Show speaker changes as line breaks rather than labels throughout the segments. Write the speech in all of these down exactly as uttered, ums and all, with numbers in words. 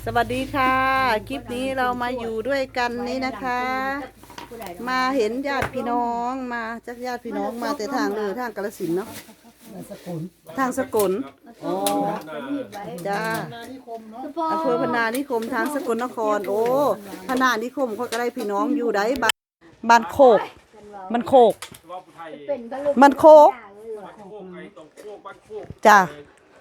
วัสดีค่ะคลิปนี้เรามาอยู่ด้วยกันนี้นะคะ มาเห็นญาติพี่น้องมาจากญาติพี่น้องมาแต่ทางเลยทางกาฬสินธุ์เนาะทางสกลอ๋อจ้าอำเภอพนานิคมทางสกลนครโอ้พนานิคมเขาก็ได้พี่น้องอยู่ได้บ้านบ้านโคกมันโคกมันโคกจ้า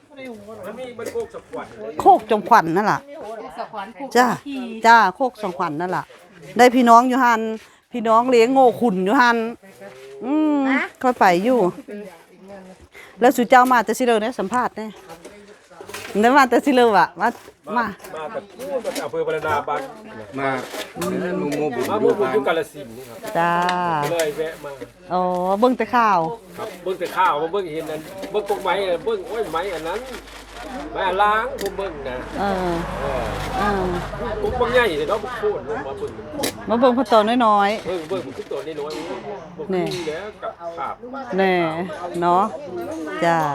โคกจงขวัญนั่นแหละจ้าจ้าโคกสองขวัญนั่นแหละได้พี่น้องอยู่หันพี่น้องเลี้ยงโง่ขุนอยู่หันอืมค่อยไปอยู่แล้วสุเจ้ามาแต่สิเลอเนี่ยสัมภาษณ์เนี่ยได้มาแต่สิเลอวะมามา
มาแต่พูดมาจากอำเภอพนาบาง
มาหมูหมูบุญ
มาหมู่บุญอยู่กาฬสินธุ์ครับ
จ้า
เลยแวะมา
อ๋อเบิ้งแต่ข่าว
ครับเบิ้งแต่ข้าวมาเบิ้งเห็นนั้นเบิ้งกกไม้เบิ้งโอ้ยไม้อันนั้นไม้ล้างผมเบิ้งนะ
เออเออ
ปุ๊บบางใหญ่เนาะปุ๊บพูดมาเบิ้ง
มาเบิ้งพอโตน้อย
ๆเบิ้งเบิ้งปุ๊บตัวน้อยๆนี่แล้วกับภาพ
แน่เนาะจ้า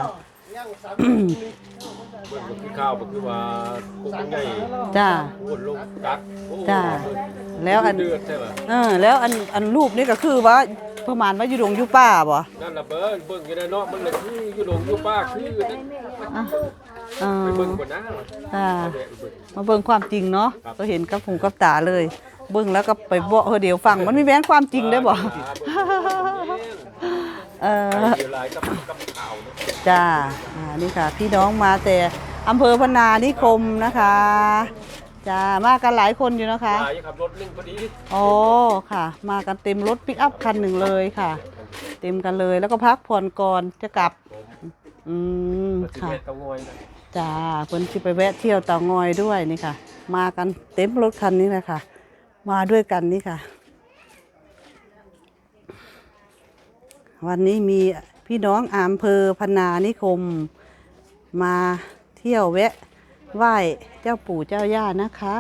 ข้าวก็คือว่าปุ๊บบางใหญ่
จ้า
พูดลงตัก
จ้าแล้วอัน
เดือดใช่ป่ะ
เออแล้วอันอันรูปนี่ก็คือว่าประมาณว่าอยู่ดงอยู่ป่าบ่
นั่นล่ะเบิ้งเบิ้งอยู่ในเนาะมันเลยคืออยู่ดงอยู่ป่าคือนั่นไปเบิ้งก่อนนะ
อ่ามาเบิ้งความจริงเนาะก็เห็นกับหูกับตาเลยเบิ้งแล้วก็ไปบอกเดี๋ยวฟังมันมีแม้นความจริงได้บ่เออจ้าอ่านี่ค่ะพี่น้องมาแต่อำเภอพนานิคมนะคะจ้ามากันหลายคนอยู่นะคะ
หลายขับรถนึงพอดี
อ๋อค่ะมากันเต็มรถปิกอัพคันหนึ่งเลยค่ะเต็มกันเลยแล้วก็พักผ่อนก่อนจะกลับอืมค่ะจ้าเพิ่นสิไปแวะเที่ยวเตางอยด้วยนี่ค่ะมากันเต็มรถคันนี้เลยค่ะมาด้วยกันนี่ค่ะวันนี้มีพี่น้องอำเภอพนานิคมมาเที่ยวแวะไหว้เจ้าปู่เจ้าย่านะคะ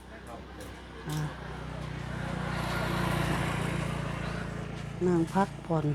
นั่งพักผ่อน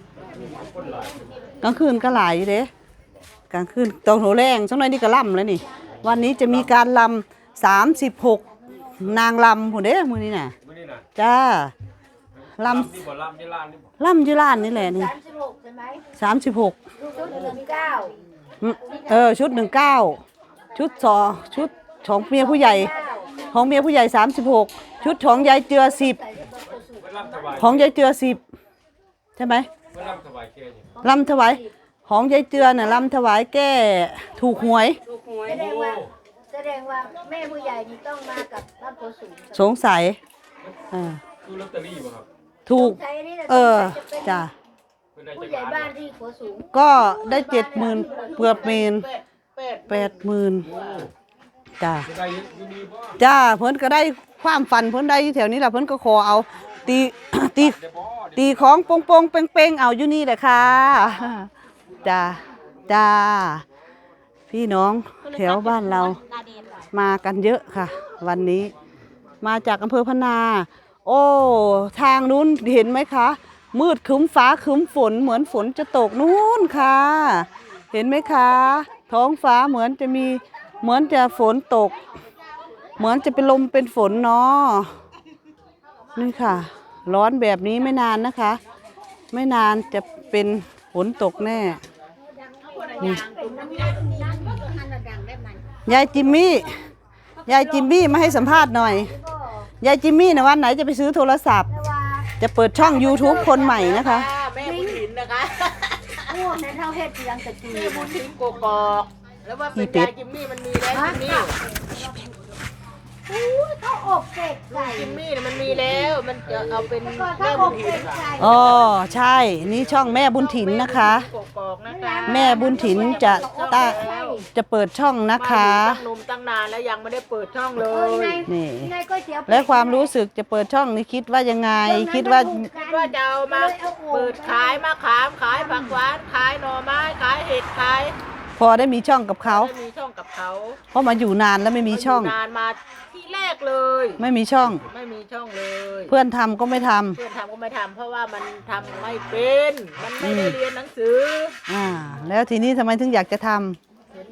กลางคืนก็หลายอยู่เด้กลางคืนตอนหัวแรงสักหน่อยนี่ก็ล่ำแล้วนี่วันนี้จะมีการลำสามสิบหกนางลำหัวเด้มือนี้น่ะจ้าลำลำยี่ล้านนี่แหละนี่สามสิบหกใช่ไหมสามสิบหกชุดหนึ่งเก้าเออชุดหนึ่งเก้าชุดสอชุดของเมียผู้ใหญ่ของเมียผู้ใหญ่สามสิบหกชุดของยายเจือสิบของยายเจือสิบใช่ไหมลำถวายของยายเจือน่ะลำถวายแก้ถูกหวย
แสดงว่าแสดงว่าแม่ผู้ใหญ่นี่ต้องมากับลำโพสูง
สงสัยอ่า
คือลอตเตอรี่ป่ะครับ
ถูกเออจ้า
ผู้ใหญ่บ้านที่โขสูง
ก็ได้เจ็ดหมื่นเปลือกเมนแปดหมื่นจ้าจ้าเพิ่นก็ได้ความฝันเพิ่นได้แถวนี้แหละเพิ่นก็ขอเอาตีตีตีของปงปงเป่งเป่งเอาอยู่นี่แหละค่ะจ้าจ้าพี่น้องแถวบ้านเรามากันเยอะค่ะวันนี้มาจากอำเภอพนาโอ้ทางนู้นเห็นไหมคะมืดครึ้มฟ้าครึ้มฝนเหมือนฝนจะตกนู้นค่ะเห็นไหมคะท้องฟ้าเหมือนจะมีเหมือนจะฝนตกเหมือนจะเป็นลมเป็นฝนเนาะนี่ค่ะร้อนแบบนี้ไม่นานนะคะไม่นานจะเป็นฝนตกแน่นี่ยายจิมมี่ยายจิมมี่มาให้สัมภาษณ์หน่อยยายจิมมี่นะวันไหนจะไปซื้อโทรศัพท์จะเปิดช่อง ยูทูบ คนใหม่นะคะ
แม่บุญถิ่นนะคะอ้วนในเท่าเฮ็ดยังตะกี้แม่บุญถิ่นกกอกแล้วว่าเป็นยายจิมมี่มันมีแล้วจิมมี่เขาอบเป็ดไก่จิมมี่เนี่ยมันมีแล้วมันจะเอาเป็นแม่บุญถิ่น
อ๋อใช่นี่ช่องแม่บุญถิ่นนะคะแม่บุญถิ่นจะตั้งจะเปิดช่องนะคะ
ตั้งนมตั้งนานแล้วยังไม่ได้เปิดช่องเลย
นี่และความรู้สึกจะเปิดช่องนี้คิดว่ายังไงคิดว่า
คิดว่าจะเอามาเปิดขายมะขามขายผักหวานขายหน่อไม้ขายเห็ดขาย
พอได้มีช่องกับเขา
ได้มีช่องกับเขา
เพราะมาอยู่นานแล้วไม่มีช่อง
นานมาที่แรกเลย
ไม่มีช่อง
ไม่มีช่องเลย
เพื่อนทำก็ไม่ท
ำเพื่อนทำก็ไม่ทำเพราะว่ามันทำไม่เป็นมันไม่ได้เรียนหนังสือ
อ่าแล้วทีนี้ทำไมถึงอยากจะทำ
เห็นเพ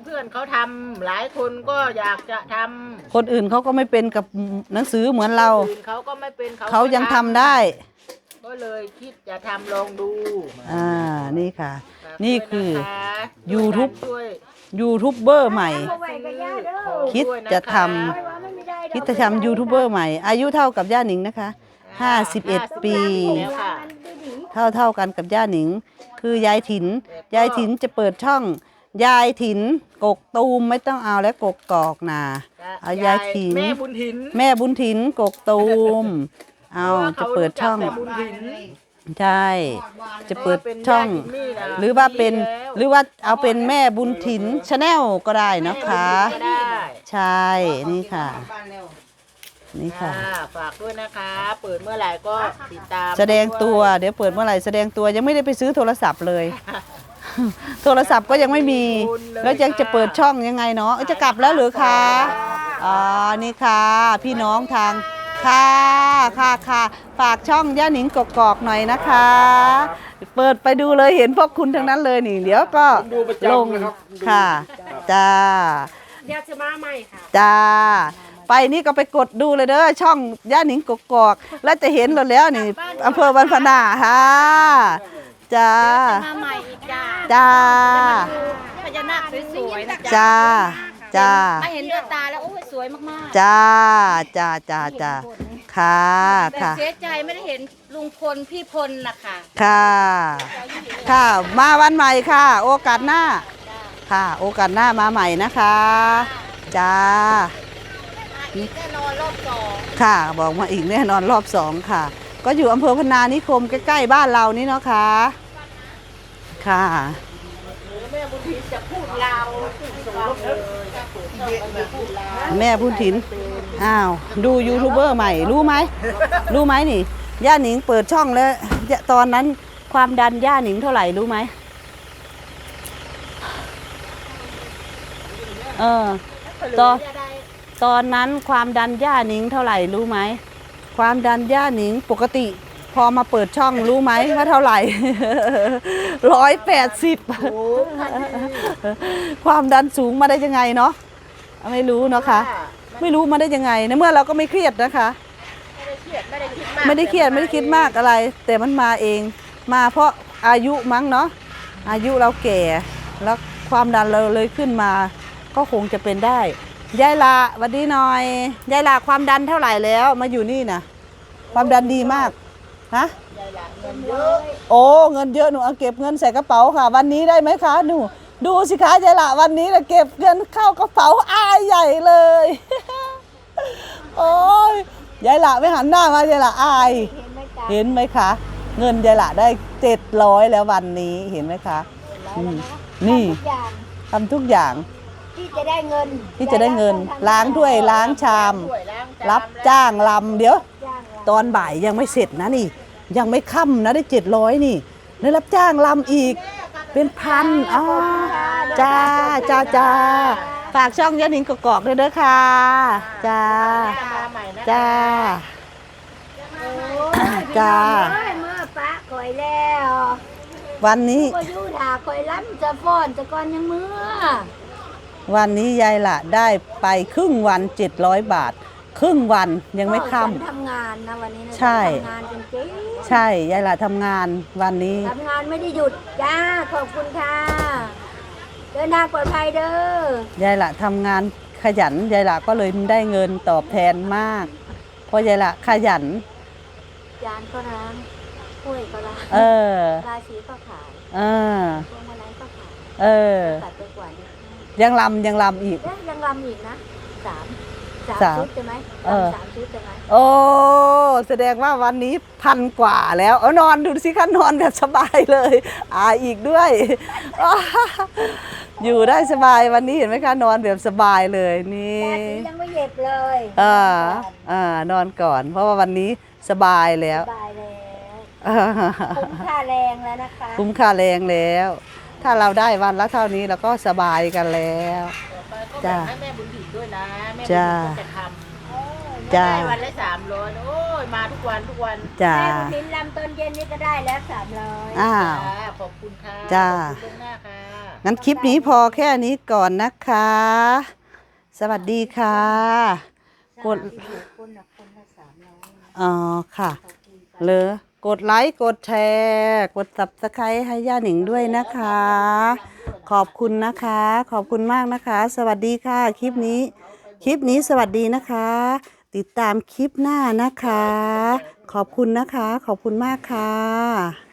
พื่อนเขาทำหลายคนก็อยากจะทำ
คนอื่นเขาก็ไม่เป็นกับหนังสือเหมือนเรา
คนอื่นเขาก็ไม่เป็น
เขายังทำได้
ก็เลยคิดจะทำลองดู
อ่านี่ค่ะ
ฝาก
นี่
ด้วย
คือ
นะคะ
YouTube
ช่วย
ยูทูบเบอร์ใหม่ คิดจะทำคิดจะทำยูทูบเบอร์ใหม่ อายุเท่ากับย่าหนิงนะคะห้าสิบเอ็ดปี
แล้วค่ะ
เท่าเท่ากันกับย่าหนิง คือยายถิน ยายถินจะเปิดช่อง ยายถินกกตูมไม่ต้องเอาแล้วกกกอกนาเอายายถิน
แม่บุญถิน
แม่บุญถินกกตูม เอาจะเปิดช่อง
พราะว่าเขารู้จักแต่บุญถิน
ใช่ จะเปิดช่อง
เป็นญาติจิมมี่นะ
หรือว่าเป็น
ดีแล้ว
หรือว่าเอาเป็นแม่บุญถินชาแนลก็ได้นะคะ
ก็ได้
ใช่ นี่ค่ะ นี่ค่ะ
อ่าฝากด้วยนะคะ เปิดเมื่อไหร่ก็ติดตาม
แสดงตัว เดี๋ยวเปิดเมื่อไหร่แสดงตัวยังไม่ได้ไปซื้อโทรศัพท์เลย โทรศัพท์ก็ยังไม่มี แล้วยังจะเปิดช่องยังไงเนาะเอ้ยจะกลับแล้วหรือคะอ๋อนี่ค่ะ พี่น้องทางค่ะค่ะค่ะฝากช่องย่าหนิงกกอกหน่อยนะคะ เปิดไปดูเลยเห็นพวกคุณทั้งนั้นเลยนี่ เดี๋ยวก็
ผมดูประ
ลง
จำนะครับ
ค่ะจ้า
เดี๋ยวจะมาใหม่ค่ะ
จ้า ไปนี่ก็ไปกดดูเลยเด้อช่องย่าหนิงกกอก แล้วจะเห็นเราแล้วนี่อำเภอบันพนาค่ะจ้า
มาใหม่อีกจ้า
จ้า
พญานาคสวยๆนะ
จ้า จ้า
มาเห็นด้วยตาแล้วโอ้ยสวยมาก
จ้า จ้า จ้า จ้า ค่ะ
ๆ แต่
ค่ะ
เสียใจไม่ได้เห็นลุงพลพี่พลนะคะ
ค่ะ ค่ะ มาวันใหม่ค่ะ โอกาสหน้า ค่ะ โอกาสหน้ามาใหม่นะคะ จ้า
อีกแน่นอนรอบสอง
ค่ะ บอกมาอีกแน่นอนรอบสองค่ะ ก็อยู่อำเภอพนานิคมใกล้ๆบ้านเรานี่เนาะค่ะ ค่ะ
แม่บุญถินจะพูดลาวฟังเลยจะพูดลาว
แม่พูดถิน อ้าว ดูยูทูบเบอร์ใหม่ รู้ไหม รู้ไหมนี่ ย่าหนิงเปิดช่องแล้วตอนนั้นความดันย่าหนิงเท่าไหร่รู้ไหม เออ ตอนตอนนั้นความดันย่าหนิงเท่าไหร่รู้ไหม ความดันย่าหนิงปกติ พอมาเปิดช่องรู้ไหมว่าเท่าไหร่ ร้อยแปดสิบความดันสูงมาได้ยังไงเนาะไม่รู้เนาะค่ะ ไม่รู้มาได้ยังไงในเมื่อเราก็ไม่เครียดนะคะ
ไม่ได้เครียดไม่ได้คิดมาก
ไม่ได้เครียดไม่ได้คิดมากอะไร แต่มันมาเอง มาเพราะอายุมั้งเนาะอายุเราแก่ แล้วความดันเราเลยขึ้นมา ก็คงจะเป็นได้ยายละหวันดีหน่อยยายละความดันเท่าไหร่แล้วมาอยู่นี่นะความดันดีมากฮะโอ้เงินเยอะหนูเอาเก็บเงินใส่กระเป๋าค่ะ วันนี้ได้ไหมคะหนูดูสิคะยายละวันนี้นะเก็บเงินเข้ากระเป๋าอายใหญ่เลย โอ้ยยายละไม่หันหน้ามายายละอาย เห็นไหมคะ เงินยายละได้เจ็ดร้อยแล้ววันนี้เห็นไหมคะอืมนี่
อย่าง
ทำทุกอย่าง
ที่จะได้เงิน
ที่จะได้เงิน ล้างถ้วยล้างชาม
ช่วยล้างจาน
รับจ้างลำเดี๋ยว
จ้างเรา
ตอนบ่ายยังไม่เสร็จนะนี่ ยังไม่ค่ำนะได้เจ็ดร้อยนี่ได้รับจ้างลำอีก เป็นพันอ๋อจ้าจ้าจ้าฝากช่องย่าหนิงกกอกด้วยเด้อค่ะ จ้า
มาใหม่นะ
จ้า จ้า
เอ้ยเมื่อปะคอยแล้ว
วันนี้
ก็อยู่ด่าคอยล้ำจะฟ้อนจะก่อนยังเมื่อ
วันนี้ยายละได้ไปครึ่งวันเจ็ดร้อยบาท ครึ่งวันยังไม่ค่
ฉันทำงานนะวันนี้นะ
ใช่
ทำงานจริง
ำใช่ยายละทำงานวันนี้
ๆทำงานไม่ได้หยุดจ้าขอบคุณค่ะเดินทางปลอดภัยเด้อย
ายละทำงานขยันยายละก็เลยได้เงินตอบแทนมาก เพราะยายละขยัน
จานก็ล้างถ้วยก็ล้าง
เออ
ราชีก็ขาย
เออ
พวงมาลัยก็ขาย
เออ
ตัดไปกว่านี้
ยังลำยังลำอีก
เอ๊ะยังรำอีกนะสามสาม
สาม
ชุดใช่ไหม
เออ
รำสามชุดใช่ไหม
โอ้แสดงว่าวันนี้พันกว่าแล้วเอานอนดูสิคะนอนแบบสบายเลยอ่าอีกด้วย อยู่ได้สบายวันนี้เห็นไหมคะนอนแบบสบายเลยนี่
ราศียังไม่เหย็บเลย
อ่าอ่านอนก่อน เพราะว่าวันนี้สบายแล้ว
สบายแล้วคุ้มค่าแรงแล้วนะคะ
คุ้มค่าแรงแล้ว ถ้าเราได้วันละเท่านี้เราก็สบายกันแล้ว
ก็
จ้า
แบ่งให้แม่บุญถินด้วยนะแม่บุญ
จ้า
ถินก็จะทำ
จ้า
ได้วันละสามร้อยโอ้ยมาทุกวันทุกวัน
จ้า
แม่บุญถินลำตอนเย็นนี่ก็ได้แล้วสามร้อย
อ้าว
จ้าขอบคุณค่ะ
จ้า
ขอบคุณล่วงหน้าค่ะ
งั้นคลิปนี้พอแค่นี้ก่อนนะคะ สวัสดีค่ะ กดอ๋อค่ะเลยกดไลค์ กดแชร์ กด ซับสไครบ์ ให้ย่าหนิงด้วยนะคะ ขอบคุณนะคะ ขอบคุณมากนะคะ สวัสดีค่ะ คลิปนี้ คลิปนี้สวัสดีนะคะ ติดตามคลิปหน้านะคะ ขอบคุณนะคะ ขอบคุณมากค่ะ